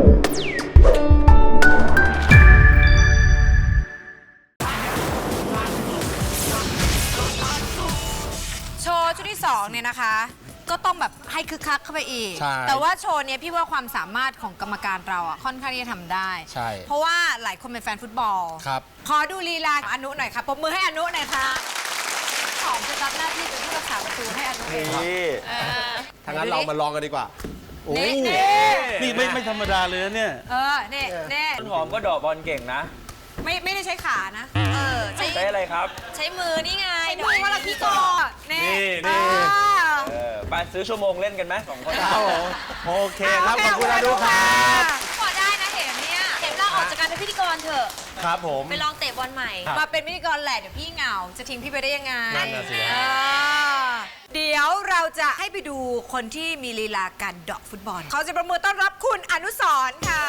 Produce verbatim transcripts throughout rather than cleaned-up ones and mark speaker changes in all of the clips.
Speaker 1: โชว์ชุดที่สองเนี่ยนะคะก็ต้องแบบให้คึกคักเข้าไปอีกแต่ว่าโชว์เนี้ยพี่ว่าความสามารถของกรรมการเราอ่ะค่อนข้างที่จะทำได้ใช่เพราะว่าหลายคนเป็นแฟนฟุตบอลครับขอดูลีลาอนุหน่อยค่ะปรบมือให้อนุหน่อยค่ะหอมจะรับหน้าที่เป็นผู้รักษาประตูให้อนุนี่
Speaker 2: ทางนั้นเรามาลองกันดีกว่าโอ้
Speaker 3: นี่ไม่ไม่ธรรมดาเลยเนี่ย
Speaker 1: เออเนี่ยเนี่ย
Speaker 4: ต้นหอมก็ดอกบอลเก่งนะ
Speaker 1: ไม่ไม่ได้ใช้ขานะเออ
Speaker 4: ใช้อะไรครับ
Speaker 1: ใช้มือนี่ไงมือว่าเราพี่กอนี่
Speaker 4: นี่ไปซื้อชั่วโมงเล่นกันไหมสองคน
Speaker 2: โอเคครับขอบคุณอนุครับ
Speaker 1: พอได้นะเห็นเนี่ยเห็นเราออกจากการเป็นพิธีกรเถอะ
Speaker 2: ครับผม
Speaker 1: ไปลองเตะบอลใหม่มาเป็นพิธีกรแหละเดี๋ยวพี่เหงาจะทิ้งพี่ไปได้ยังไง
Speaker 2: นั่นน่ะสิ
Speaker 1: เดี๋ยวเราจะให้ไปดูคนที่มีลีลาการเดาะฟุตบอลเขาจะประมือต้อนรับคุณอนุสรณ์ค่ะ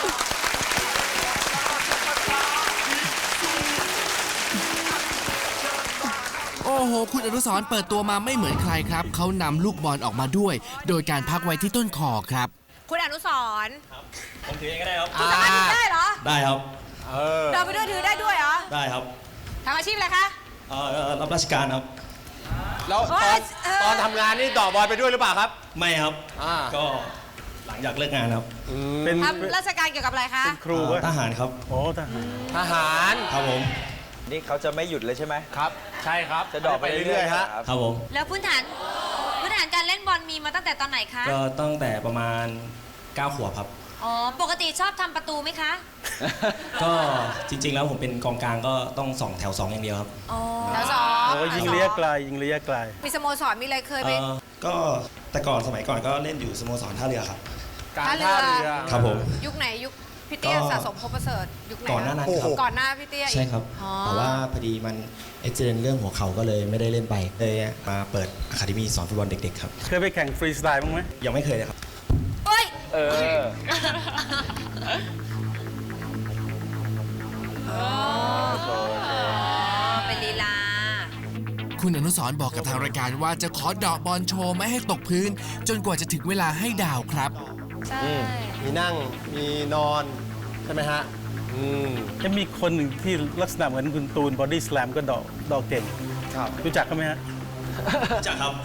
Speaker 5: โอ้โหคุณอนุสรณ์เปิดตัวมาไม่เหมือนใครครับเขานำลูกบอลออกมาด้วยโดยการพักไว้ที่ต้นคอครับ
Speaker 1: คุณอนุสรณ์
Speaker 4: ผมถือเองก็ได้ครับ
Speaker 1: คุณสามารถถือได้เหรอ
Speaker 3: ได้ครับ
Speaker 1: เดินไปด้วยถือได้ด้วยเหรอ
Speaker 3: ได้ครับ
Speaker 1: ทำอาชีพอะไรคะ
Speaker 3: เอ่อรับราชการครับ
Speaker 2: แล้วตอนตอนทำงานนี่ต่อบอลไปด้วยหรือเปล่าครับ
Speaker 3: ไม่ครับก็หลังจากเลิกงานครับ
Speaker 1: เป็นทำราชการเกี่ยวกับอะไรคะ
Speaker 3: เป็นครูทหารครับ
Speaker 2: โอ้ทหารทหาร
Speaker 3: ครับผม
Speaker 4: นี่เขาจะไม่หยุดเลยใช่ไหม
Speaker 2: ครับใช่ครับ
Speaker 4: จะดอกไปเรื่อยๆฮะ
Speaker 3: ครับผม
Speaker 1: แล้วพื้นฐานพื้นฐานการเล่นบอลมีมาตั้งแต่ตอนไหนคะ
Speaker 3: ก็ตั้งแต่ประมาณเก้าขวบครับ
Speaker 1: อ๋อปกติชอบทำประตูไหมคะ
Speaker 3: ก็จริงๆแล้วผมเป็นกองกลางก็ต้องสองแถวสองอย่างเดียวครับ
Speaker 1: อ๋อแถวสอง
Speaker 3: โอ้ยิงระยะไกลยิงระยะไกล
Speaker 1: มีสโมสรมีอะไรเคยไป
Speaker 3: ก็แต่ก่อนสมัยก่อนก็เล่นอยู่สโมสรท่าเรือครับ
Speaker 1: ท่าเรือ
Speaker 3: ครับผม
Speaker 1: ยุคไหนยุคพี่เตี้ยสะสมพบประเสริฐยุคไหน
Speaker 3: ก่อนหน้านั้นครับ
Speaker 1: ก่อนหน้าพี่เตี้ย
Speaker 3: ใช่ครับแต่ว่าพอดีมันเอ็กซิเดนต์เรื่องหัวเข่าก็เลยไม่ได้เล่นไปเลยมาเปิดอะคาเดมี่สอนฟุตบอลเด็กๆครับเคยไปแข่งฟรีสไตล์บ้างไหมยังไม่เคยเลยครับ
Speaker 1: เฮ้ย
Speaker 4: เออ
Speaker 1: เป็นลีลา
Speaker 5: คุณอนุสรณ์บอกกับทางรายการว่าจะขอเดาะบอลโชว์ไม่ให้ตกพื้นจนกว่าจะถึงเวลาให้ดาวครับ
Speaker 1: ใช่
Speaker 2: มีนั่งมีนอนใช่ไหมฮะอืม
Speaker 3: จะมีคนหนึ่งที่ลักษณะเหมือนคุณตูนบอดี้สแลมก็ดอกดอกเก่ง
Speaker 2: ครับ
Speaker 3: รู้จักเขาไหมฮะรู้จักครับ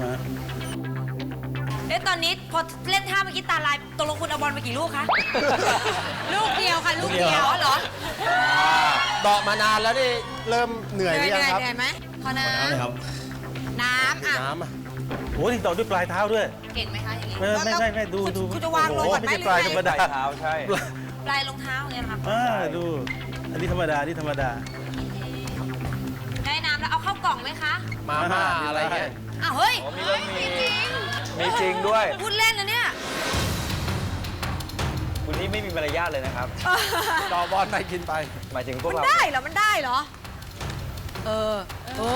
Speaker 1: เอ๊ะตอนนี้พอเล่นท่าเมื่อกี้ตาลายตกลงคุณเอาบอลไปกี่ลูกคะลูกเดียวค่ะลูกเดียวเหรอ
Speaker 2: เดาะมานานแล้วนี่เริ่มเหนื่อยหรือยังครับ
Speaker 1: เหนื่อยไหมพอน้
Speaker 3: ำครับ
Speaker 1: น้ำอ่ะ
Speaker 2: น้ำอ่ะ
Speaker 3: โอ้ยดอกด้วยปลายเท้าด้วย
Speaker 1: เก่งไหมคะอย่างนี้
Speaker 3: ไม่ไม่ไม่ดูดู
Speaker 1: คุณจะวางลงก่อนไหม
Speaker 3: ปลายธรรมดา
Speaker 4: เท้าใช่
Speaker 1: ปลายรองเท้าอย่างเงี้ยครับ
Speaker 3: อ่าดูอันนี้ธรรมดานี่ธรรมดา
Speaker 1: ได้น้ำแล้วเอาเข้ากล่องไหมคะ
Speaker 2: มาม่าอะไรเงี้ย
Speaker 1: อ้าวเฮ้ยมีจริง
Speaker 4: มีจริงด้วย
Speaker 1: พูดเล่นนะเนี่ย
Speaker 4: คุณนี่ไม่มีมารยาทเลยนะครับ
Speaker 2: ต่อบอลไปกินไป
Speaker 4: หมายถึงพวกเรา
Speaker 1: มันได้เหรอมันได้เหรอเออโอ้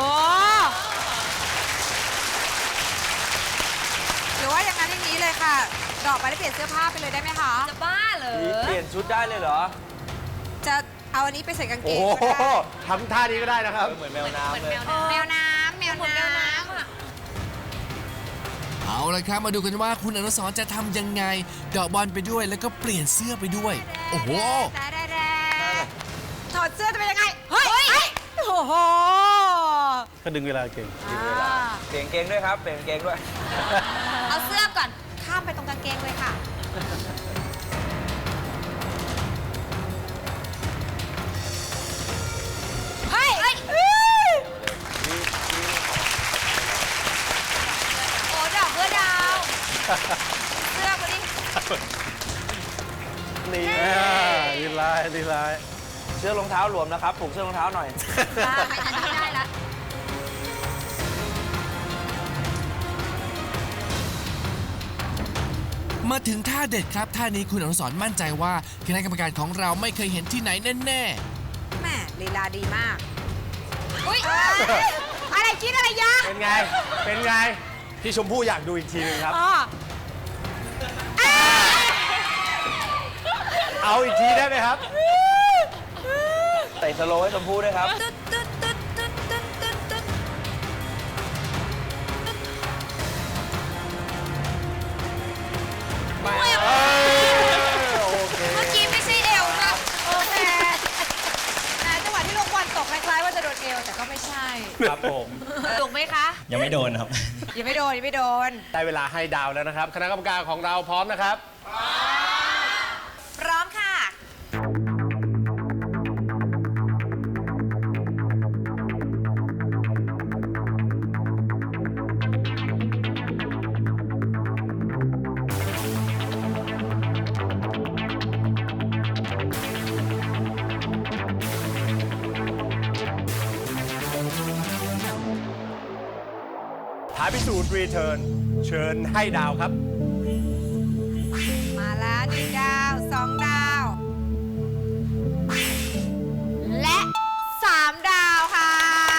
Speaker 1: หรือว่าอย่างนั้นอย่างนี้เลยค่ะดอกไปแล้วเปลี่ยนเสื้อผ้าไปเลยได้ไหมคะจะบ้าเหรอ
Speaker 4: เปลี่ยนชุดได้เลยเหรอ
Speaker 1: จะเอาอันนี้ไปใส่กางเกง
Speaker 2: โอ้ทำท่านี้ก็ได้นะครับ
Speaker 4: เหมือนแมวน้ำเลย
Speaker 1: แมวน้ำแมวน้ำ
Speaker 5: เอาละครับมาดูกันว่าคุณอนุสรณ์จะทำยังไงเดาะบอลไปด้วยแล้วก็เปลี่ยนเสื้อไปด้วยโอ้โห
Speaker 1: ถอดเสื้อจะเป็นยังไงเฮ้ยโอ้โห
Speaker 3: ก็ดึงเวลาเก่ง
Speaker 4: เปลี่ยนเกงด้วยครับเปลี่ยนเกงด้วย
Speaker 1: เอาเสื้อก่อนข้ามไปตรงกางเกงเลยค่ะเฮ้ยโอ้ดอกเพื่อดาวเสื้อมาดิ
Speaker 3: นี่ดีลายดีลาย
Speaker 4: เสื้อรองเท้าหลวมนะครับผูกเสื้อรองเท้าหน่อย
Speaker 1: ไม่ทันที่ได้ละ
Speaker 5: มาถึงท่าเด็ดครับท่านี้คุณอนุสรณ์มั่นใจว่าคณะกรรมการของเราไม่เคยเห็นที่ไหนแน่ๆแ
Speaker 1: ม่ลีลาดีมากอุ้ยอะไรคิดอะไรยะ
Speaker 2: เป็นไงเป็นไงพี่ชมพู่อยากดูอีกทีนึงครับเอาอีกทีได้ไหมครับ
Speaker 4: ใส่สโลว์ให้ชมพู่ด้วยครับ
Speaker 1: โ
Speaker 2: ผม
Speaker 1: ถูกไหมคะ
Speaker 3: ยังไม่โดนครับ
Speaker 1: ยังไม่โดนยังไม่โดน
Speaker 2: ได้เวลาให้ดาวแล้วนะครับ คณะกรรมการของเราพร้อมนะครับ
Speaker 1: พร้อมค่ะ
Speaker 2: ท้าพิสูจน์รีเทิร์นเชิญให้ดาวครับ
Speaker 1: มาแล้วหนึ่งดาวสองดาว และสามดาวค่ะ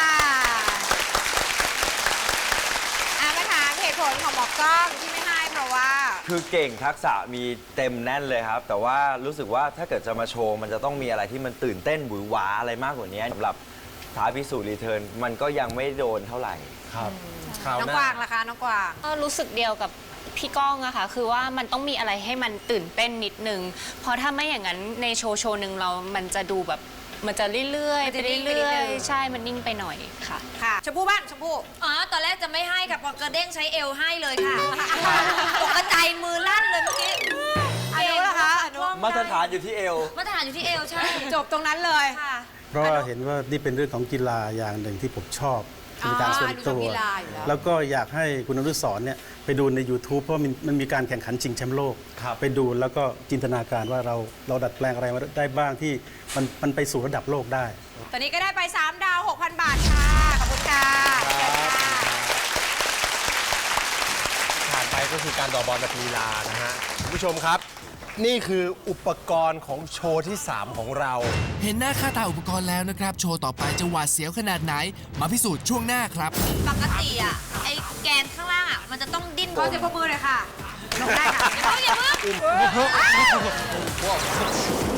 Speaker 1: อามาถามเหตุผลของหมอกล้องที่ไม่ให้เพราะว่า
Speaker 4: คือเก่งทักษะมีเต็มแน่นเลยครับ แต่ว่ารู้สึกว่าถ้าเกิดจะมาโชว์ มันจะต้องมีอะไรที่มันตื่นเต้นหวือหวาอะไรมากกว่านี้สำหรับท้าพิสูจน์รีเทิร์นมันก็ยังไม่โดนเท่าไหร่
Speaker 2: ครับ
Speaker 1: น้องกวางล่ะคะน้องกวาง
Speaker 6: ก็รู้สึกเดียวกับพี่ก้องอะค่ะ คือว่ามันต้องมีอะไรให้มันตื่นเต้นนิดนึง เพราะถ้าไม่อย่างนั้นในโชว์โชว์หนึ่งเรา มันจะดูแบบ มันจะเรื่อยๆ
Speaker 1: มัน
Speaker 6: ไป
Speaker 1: จะนิ่งไปนิด
Speaker 6: เรื่อ
Speaker 1: นึ
Speaker 6: ย
Speaker 1: ง
Speaker 6: ๆ ใช่ มันนิ่งไปหน่อยค่ะ
Speaker 1: ค่ะชมพู่บ้างชมพู่
Speaker 7: อ๋อ ตอนแรกจะไม่ให้ค่ะพอกระเด้งใช้เอวให้เลยค่ะตกใจมือลั่นเลยเมื่อกี้
Speaker 1: อนุล่ะคะอนุ
Speaker 4: มาตรฐานอยู่ที่เอว
Speaker 7: มาตรฐานอยู่ที่เอวใช่
Speaker 1: จบตรงนั้นเลย
Speaker 7: ค่ะ
Speaker 8: เพราะว่าเห็นว่านี่เป็นเรื่องของกีฬาอย่างหนึ่งที่ผมชอบเป็นการส่วนตัว
Speaker 1: อ๋อดูชอบกีฬาอยู่แล้ว
Speaker 8: แล้วก็อยากให้คุณอนุสรณ์เนี่ยไปดูใน YouTube เพราะมันมันมีการแข่งขันชิงแชมป์โลก ไปดูแล้วก็จินตนาการว่าเราเราดัดแปลงอะไรมาได้บ้างที่มันมันไปสู่ระดับโลกได้
Speaker 1: ตอนนี้ก็ได้ไปสามดาว หกพัน บาทค่ะ ขอบคุณค่ะเชิญค่ะ
Speaker 2: ผ่านไปก็คือการต่อบอลแบบลีลานะฮะคุณผู้ชมครับ นี่คืออุปกรณ์ของโชว์ที่ สาม ของเรา
Speaker 5: เห็นหน้าค่าตาอุปกรณ์แล้วนะครับ โชว์ต่อไปจะหวาดเสียวขนาดไหน มาพิสูจน์ช่วงหน้าครับ
Speaker 7: ปกติอ่ะ ไอ้แกนข้างล่างอ่ะ มันจะต้องดิ้น
Speaker 1: ขอเสียงปรบมือหน่อยค่ะลงได้ค่ะ
Speaker 7: อย่าเพิ่งอย่าเพิ่ง